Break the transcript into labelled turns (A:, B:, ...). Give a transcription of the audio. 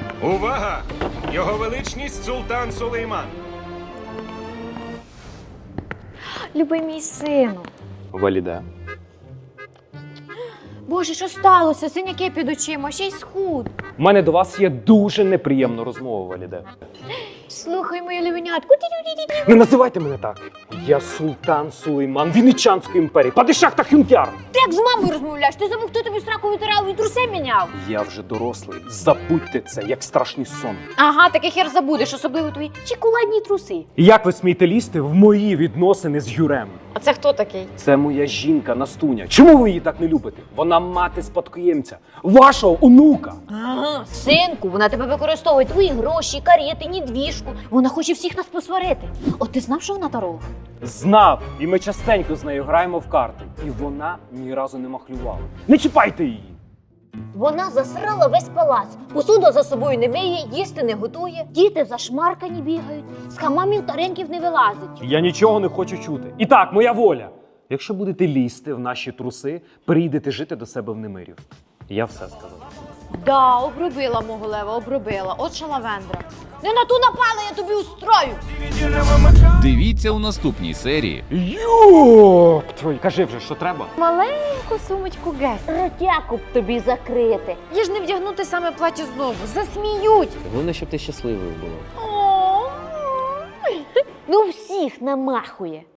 A: Увага! Його величність султан Сулейман.
B: Любий мій сину.
C: Валіде.
B: Боже, що сталося? Синяки під очима, ще й схуд.
C: У мене до вас є дуже неприємна розмова, Валіде.
B: Слухай, моє левенятко.
C: Не називайте мене так. Я султан Сулейман Венеціанської імперії, падишах та хюнкяр.
B: Ти як з мамою розмовляєш? Ти забув, хто тобі сраку витирав і труси міняв?
C: Я вже дорослий. Забудьте це, як страшний сон.
B: Ага, таке хер забудеш, особливо твої чоколадні труси.
C: І як ви смієте лізти в мої відносини з Юрем?
B: А це хто такий?
C: Це моя жінка Настуня. Чому ви її так не любите? Вона мати спадкоємця, вашого онука.
B: Ага, синку, вона тебе використовує, твої гроші, карети, недвіжку. Вона хоче всіх нас посварити. От ти знав, що вона таролог?
C: Знав, і ми частенько з нею граємо в карти. І вона ні разу не махлювала. Не чіпайте її!
B: Вона засрала весь палац. Посуду за собою не миє, їсти не готує. Діти зашмаркані бігають, з хамамів та ринків не вилазить.
C: Я нічого не хочу чути. І так, моя воля. Якщо будете лізти в наші труси, перейдете жити до себе в Немирів. Я все сказав.
B: Да, обробила мого лева, обробила. От шалавендра. Не на ту напала, я тобі устрою.
D: Дивіться у наступній серії.
C: Йоп! Твой, кажи вже, що треба?
B: Маленьку сумочку гес. Ротяку б тобі закрити. Я ж не вдягнути саме плаття знову. Засміють.
E: Головне, щоб ти щасливою була.
B: Ну всіх намахує.